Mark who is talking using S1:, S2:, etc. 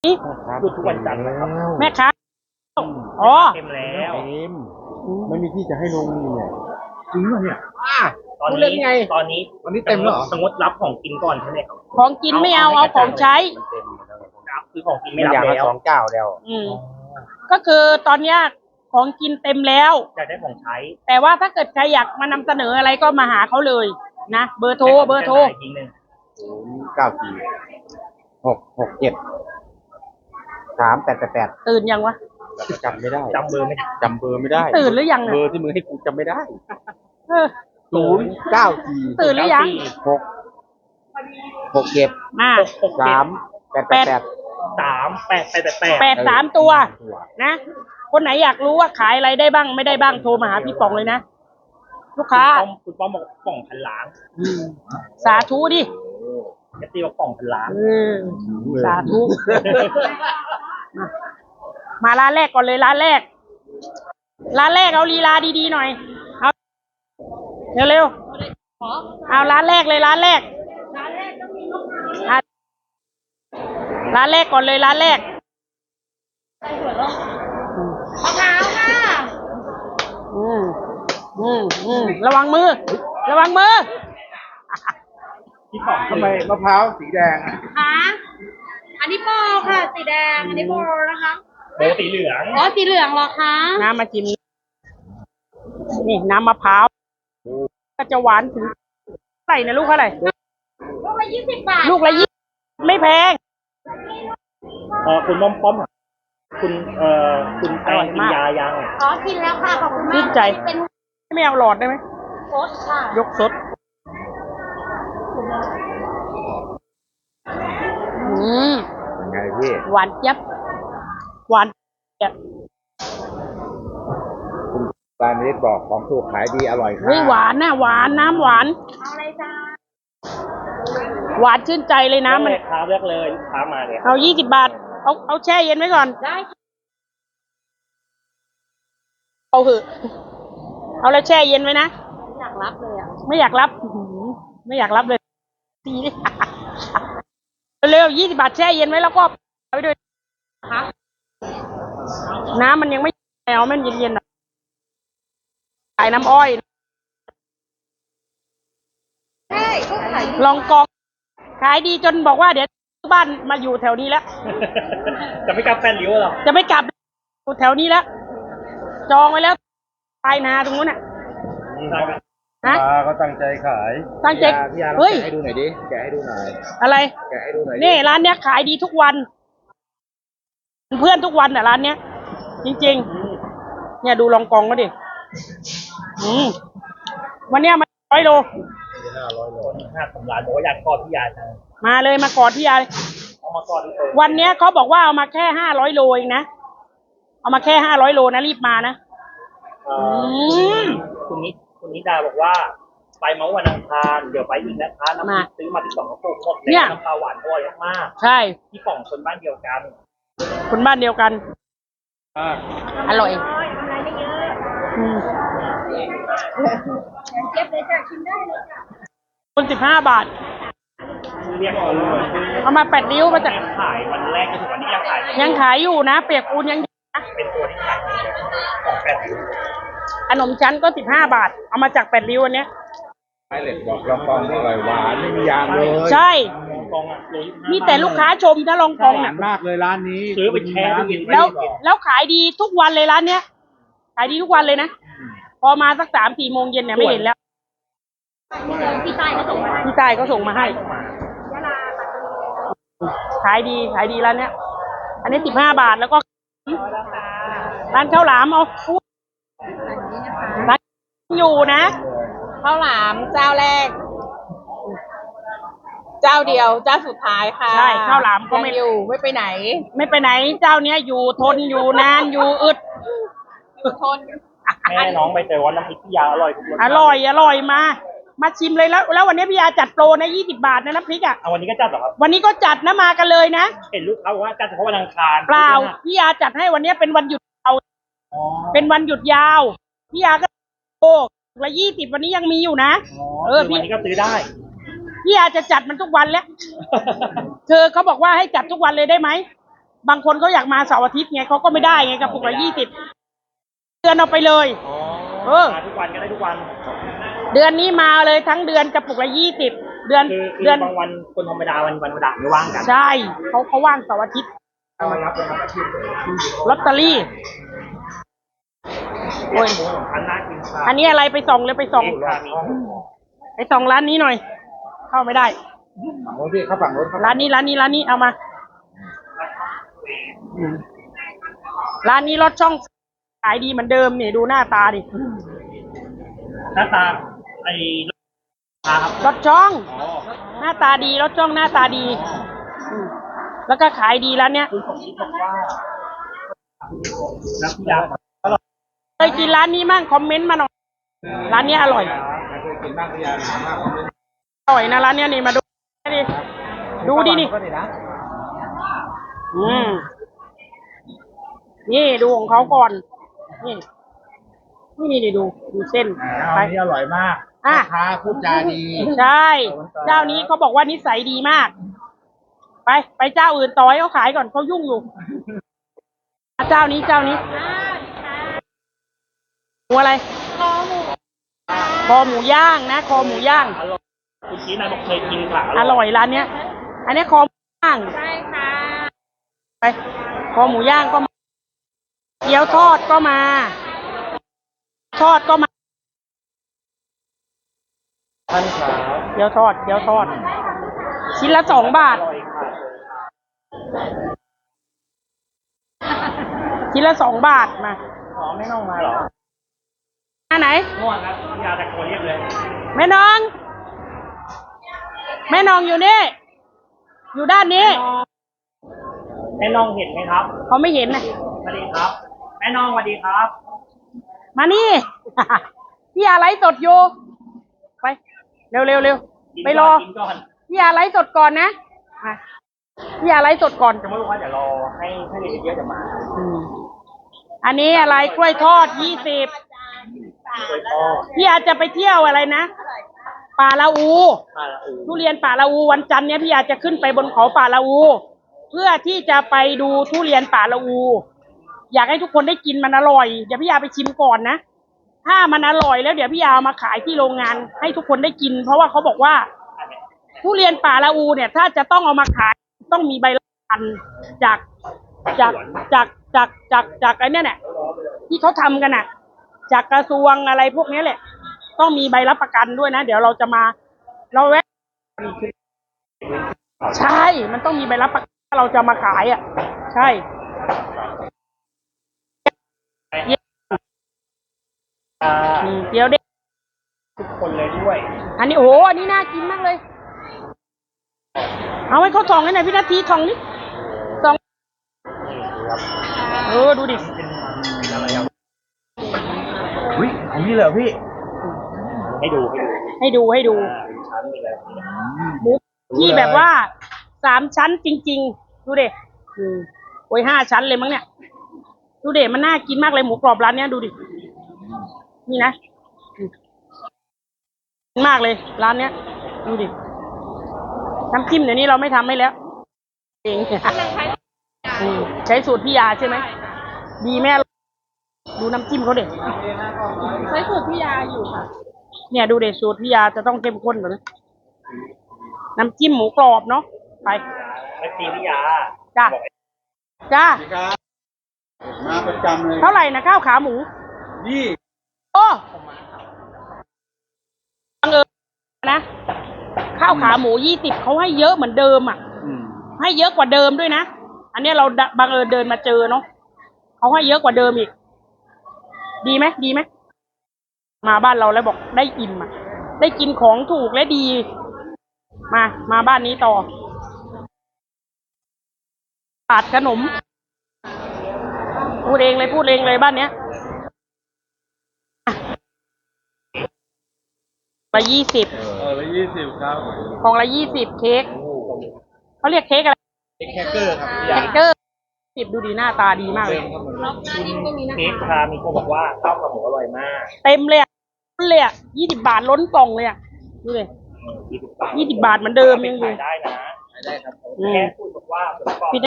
S1: หยุดทุกวันจันทร์นะครับ
S2: แม่ค้าอ๋อ
S1: เต็มแล้ว
S3: เต็มไม่มีที่จะให้ลงเนี่ยจริงเหรอเนี่ย
S1: ตอน
S3: พูดเล่
S1: นี้
S3: นไง
S1: ตอนนี้
S3: วันนี้เต็มแล้วเหรอ
S1: สมมติรับของกินก่อนใช่ไหมครับ
S2: ของกินไม่เอาของใช้
S3: มันเต็มแล้ว
S1: รับคือของกิน
S3: ไม่
S1: ไม่
S3: อ
S1: รั
S3: ยาก
S1: บ
S3: มา
S1: แล้ว
S3: 2 เจ้าแล้ว
S2: ก็คือตอนเนี้ยของกินเต็มแล้ว
S1: อยากได้ของใช้
S2: แต่ว่าถ้าเกิดใครอยากมานำเสนออะไรก็มาหาเขาเลยนะเบอร์โทร
S1: อีกทีหนึ่ง
S3: 094 667 3888
S2: ตื่นยังวะ
S3: จำไม่ได้
S1: จำเบอร์ไม่ได้
S3: จำเบอร์ไม่ได้
S2: ตื่นหรือยัง
S3: เบอ
S2: อะ
S3: ร์ที่มึงให้กูจำไม่ได้
S2: เออ
S3: 094
S2: ตื่นหรือยัง
S3: 667
S2: มา
S3: 3888
S2: 8 3 ตัวนะคนไหนอยากรู้ว่าขายอะไรได้บ้างไม่ได้บ้างโทรมาหาพี่ป๋องเลยนะลูกค้า
S1: คุณป้อมบอกกล่องพันล้าน
S2: สาธุดิ
S1: จะตีว่ากล่องพันล้าน
S2: สาธุมาร้านแรกก่อนเลยร้านแรกเอาลีลาดีๆหน่อยเอาเร็วๆเอาร้านแรกเลยร้านแรกก่อนเลยร้านแรกมะพร้าวค่ะระวังมือ
S1: พี่ป๋อง
S3: ทำไมมะพร้าวสีแดง
S4: คะอันนี้โบค่ะสีแดง อันนี้โบนะคะ
S1: โบสีเหลือง
S4: อ๋อสีเหลืองเหรอคะ
S2: น้ำมาชิมนี่น้ำมะพร้าวก็จะหวานถึงใส่นะลูกเท่าไหร่
S4: ลูกละ20 บาท
S2: ลูกละ20ไม่แพง
S1: คุณป้อมคุณแตงกินยายัง
S4: อ๋อกินแล้วค่ะขอบคุณมาก
S2: ชื่นใจ
S4: เป็น
S2: ไม่เอาหลอดได้ไหม
S4: โค้ชค่ะ
S2: ยกสด
S3: ยังไงพี่
S2: หวานเจี๊ยบหวานเจี๊ยบ
S3: คุณปานิดบอกของถูกขายดีอร่อยค่ะ
S2: เฮ้ยหวานนะหวานน้ำหวาน
S4: เอาอะไรจ้า
S2: หวานชื่นใจเลยนะมัน
S1: ลูกค้าเลือกเลยลูกค้ามาเนี่ย
S2: เอา20 บาทเอาแช่เย็นไว้ก่อน
S4: ได้ค่ะ
S2: เอาเถอะเอาแล้วแช่เย็นไว้นะ
S4: อยากรับเลยอ่ะ
S2: ไม่อยากรับไม่อยากรับเลยตีเลย เร็ว20 บาทแช่เย็นไว้แล้วก็เอาไปด้วยนะคะน้ำมันยังไม่เอามันเย็นๆหน่อยขายน้ำอ้อย
S4: ใช่ก็ขาย
S2: ลองกองขายดีจนบอกว่าเดี๋ยวบ้านมาอยู่แถวนี้แล้ว
S1: จะไม่กลับแฟนริ้วหรอ
S2: จะไม่กลับอยู่แถวนี้แล้ว จองไว้แล้วปลายนาตรงนู้นน่ะฮะ
S3: ปลาก็ตั้งใจขาย
S2: ตั้งใจ
S3: พี่ยาลอง
S2: เฮ้ย
S3: แกะให้ดูหน่อยดิ แกะให้ดูหน่อย
S2: อะไร
S3: แกะให้ดูหน่อยดิ
S2: นี่ร้านเนี้ยขายดีทุกวัน เพื่อนทุกวันอ่ะร้านเนี้ย จริงๆ เนี่ยดูลองกองก็ดิวันเนี้ยมัน100 โล
S1: 500 ล้านบอกว่าอยากกอดพี่ยาจัง
S2: มาเลยมากอดพี่ยาเลย
S1: เอามากอดเลย
S2: วันเนี้ยเขาบอกว่าเอามาแค่500 โลเองนะ เอามาแค่500 โลนะรีบมานะ
S1: คุณนิดาบอกว่า ไปเมื่อวันอังคารเดี๋ยวไปอีกนะคะน้ำพริกซื้อมา12 กระปุกหมด
S2: เนี่
S1: แล้ว
S2: ย
S1: น้ำปลาหวานอร่อยมาก
S2: ใช่
S1: พี่ป๋องคนบ้านเดียวกัน
S2: คนบ้านเดียวกัน อร่อย
S4: อะไรไม่เยอะ เก็บเลยจ้ะชิมได้เลยจ้ะ
S2: คน15 บาท
S1: เรียกเอาเลย
S2: เอามา8 ริ้วมาจาก
S1: ขายวันแรกจนถึงวันนี้ยังขาย
S2: ยังขายอยู่นะ เปียกปูนยังอยู่นะ
S1: เป็นตัวที่ขายดีของแฟนริ้ว
S2: ขนมชั้นก็15 บาท เอามาจาก8 ริ้วอันเนี้ย
S3: ไอเล็กบอกลองกองอร่อยหวานไม่มียางเลย
S2: ใช่
S1: กองอ่ะ125
S2: มีแต่ลูกค้าชมถ้าลองกอง
S3: หวา
S2: น่ะ
S3: นมากเลยร้านนี้
S1: ซื้อไปแช่ตู้เย็นไ
S2: แล้วขายดีทุกวันเลยร้านเนี้ย ขายดีทุกวันเลยนะ พอมาสัก3-4 โมงเย็นเนี่ยไม่เห็นแล้ว
S4: พี่ใต้ก็ส่งมาให้
S2: พี่ใต้ก็ส่งมาให้
S4: ยะลาปัตตานี
S2: ขายดีร้านเนี้ย อันนี้15 บาทแล้วก็ร้านข้าวหลามเอาร้านอยู่นะ
S5: ข้าวหลามเจ้าแรก เจ้าเดียวเจ้าสุดท้ายค่ะ
S2: ใช่ข้าวหลามก็ไม่
S5: ยังอยู่ไม่ไปไหน
S2: ไม่ไปไหนเจ้าเนี้ยอยู่ทนอยู่นานอยู่อึด
S5: อยู่ทน
S1: แม่น้องไปเจอว่าน้ำพริกพี่ยาอร่อยทุกรส
S2: อร่อยมาชิมเลยแล้ววันนี้พี่ยาจัดโปรนะ20 บาทนะน้ำพริกอ่ะ
S1: เอาวันนี้ก็จัดเหรอครับ
S2: วันนี้ก็จัดนะมากันเลยนะ
S1: เห็นลูกค้าบอกว่าจัดเฉพาะวันอังคาร
S2: เปล่าพี่ยาจัดให้วันนี้เป็นวันหยุดเอา
S1: อ๋อ
S2: เป็นวันหยุดยาวพี่ยาก็โอ้ละ20วันนี้ยังมีอยู่นะ
S1: วันนี้ก็ซื้อได้
S2: พี่ยาจะจัดมันทุกวันแล้ว เธอเขาบอกว่าให้จัดทุกวันเลยได้ไหมบางคนเขาอยากมาเสาร์อาทิตย์ไงเขาก็ไม่ได้ไงกระปุกละ20เดือนเอาไปเลย
S1: อ๋อ
S2: เออ
S1: มาทุกวันก็ได้ทุกวัน
S2: เดือนนี้มาเลยทั้งเดือนกระปุกละ20เดือน
S1: คือ
S2: เดือน
S1: บางวันคนธรรมดาวันธรรมดาไม่ว่างกัน
S2: ใช่เขาว่างเสาร์อาทิตย์
S1: เอามารับเป็นอาชีพเลย
S2: ลอตเตอรี่โอ้ย
S1: หมูของพันน่ากินค่ะ
S2: อันนี้อะไรไปส่องเลยไปส่อง
S1: เอกค่ะมี
S2: ไปส่องร้านนี้หน่อย เข้าไม่ได้
S3: ฝั่งโน้นพี่เข้าฝั่งโน้นครับ
S2: ร้านนี้เอามาร้านนี้รถช่องขายดีเหมือนเดิมนี่ดูหน้าตาดิ
S1: หน้าตาไอ้ครับ
S2: รถช่อง
S1: อ๋อ
S2: หน้าตาดีรถช่องหน้าตาดีมแล้วก็ขายดีร้านเนี้ย
S1: คุณสมคิดบอกว่าน้ำยาอร่อย
S2: เคยกินร้านนี้มั่งคอมเมนต์มาหน่อยร้านเนี้ยอร่อย
S3: เคยกินบ้างพยายามถามมากผมเลย
S2: อร่อยนะร้านเนี้ยนี่มาดูดิดูดินี่
S3: ก็ดีนะ
S2: นี่ดูของเขาก่อน นี่ดูเส้น
S3: อันนี้อร่อยมาก
S2: อ่ะ
S3: ลูกค้าพูดจาดี
S2: ใช่ เจ้านี้เขาบอกว่านิสัยดีมาก ไปเจ้าอื่นต่อให้เขาขายก่อนเขายุ่งอยู่ เจ้านี้หมูอะไร คอหมูย่างนะคอหมูย่าง
S1: อร่อยคุณชี้นายบอกเคยกินค่ะ
S2: อร่อยร้านเนี้ย อันนี้คอหมูย่าง
S4: ใช่ค่ะ
S2: ไปคอหมูย่างก็มาเกี๊ยวทอดก็มา
S1: ท่านครับ
S2: เกี๊ยวทอดชิ้นละ2 บาท
S1: อร่อยค่ะ
S2: ชิ้นละ2 บาทมา
S1: อ๋อไม่น้องมาเหรอ
S2: อันไหน
S1: ง่วงครับยาตะโกนเรียกเลย
S2: แม่น้องอยู่นี่ อยู่ด้านนี้
S1: แม่น้องเห็นไหมครับ
S2: เขาไม่เห็นนะ
S1: สวัสดีครับแม่น้องสวัสดีครับ
S2: มานี่ พี่ยาไลฟ์สดอยู่ ไป เร็ว
S1: กิน
S2: ไปรอ
S1: กินก่อน
S2: พี่ยาไลฟ์สดก่อนนะมาพี่ยาไลฟ์สดก่อน
S1: จะไม่รู้ว่าเดี๋ยวรอให้เรียนเยอะๆจะมา
S2: อันนี้อะไรกล้วยทอด20
S1: โดยพ่อ
S2: พี่ยาจะไปเที่ยวอะไรนะ ป่าละอู
S1: มาละอู
S2: ทุเรียนป่าละอูวันจันทร์เนี้ยพี่ยาจะขึ้นไปบนเขาป่าละอู เพื่อที่จะไปดูทุเรียนป่าละอู อยากให้ทุกคนได้กินมันอร่อย เดี๋ยวพี่ยาไปชิมก่อนนะ ถ้ามันอร่อยแล้วเดี๋ยวพี่ยาเอามาขายที่โรงงาน ให้ทุกคนได้กิน เพราะว่าเขาบอกว่า ทุเรียนป่าละอูเนี่ย ถ้าจะต้องเอามาขายต้องมีใบรับประกันจากไอ้เนี่ยแหละที่เขาทำกันน่ะ จากกระทรวงอะไรพวกนี้แหละ ต้องมีใบรับประกันด้วยนะเดี๋ยวเราจะมาเราแวะใช่ มันต้องมีใบรับประกันถ้าเราจะมาขายอ่ะ ใช่ เดี๋ยวเด็ก
S1: ทุกคนเลยด้วย
S2: อันนี้โอ้โหอันนี้น่ากินมากเลย เอาให้เขาส่องให้หน่อยพี่นาทีส่องนี่ส่องดูดิ
S1: เป็นอะไรอ่ะ
S3: อุ้ยของพี่เหรอพี่
S1: ให้ดู
S2: ให้ดู
S1: เป็นชั้นไปเลย
S2: หมูที่แบบว่า3 ชั้นจริงๆ ดูเด็โอ้ย5 ชั้นเลยมั้งเนี่ย ดูเด็มันน่ากินมากเลยหมูกรอบร้านเนี้ยดูดิ นี่นะมากเลยร้านเนี้ย ดูดิ น้ำจิ้มเดี๋ยวนี้เราไม่ทำให้แล้ว เองใช้สูตรพี่ยาใช่ไหม ดีแม่ดูน้ำจิ้มเขาเด็ด
S5: ใช้สูตรพี่ยาอยู่ค่ะ
S2: เนี่ยดูเด็ดสูตรพี่ยาจะต้องเข้มข้นกว่านะน้ำจิ้มหมูกรอบเนาะ ไป
S1: ไม่ตีพิยา
S2: จ้า
S1: บอก
S2: จ้า
S3: พี่ครับมาประจำเลย
S2: เท่าไหร่นะข้าวขาหมู
S3: นี่
S2: โอ้บังเอิญนะข้าวขาหมู20เขาให้เยอะเหมือนเดิมอ่ะ ให้เยอะกว่าเดิมด้วยนะ อันนี้เราบังเอิญเดินมาเจอเนาะเขาให้เยอะกว่าเดิมอีก ดีไหมมาบ้านเราแล้วบอกได้อิ่มอ่ะ ได้กินของถูกและดี มาบ้านนี้ต่อปาดขนม พูดเองเลยบ้านเนี้ยละ20
S3: ละ20ครับ
S2: ของละ20เค้กเขาเรียกเค้กอะไร
S3: แคคเกอร์ครับพี่
S2: แค
S3: ยา
S2: คเกอร์ดูดีหน้าตาดีมากเลย
S1: เค้กพามีคนบอกว่าข้าวขาหมูอร่อยมาก
S2: เต็มเลยอ่ะ20 บาทล้นกล่องเลยอ่ะดูเลย
S1: 20 บาท
S2: 20 บาทเหมือนเดิมยังอยู่
S1: ขายได้นะ
S3: ได้ครับ
S1: แค่พูดบอกว่าผมบอก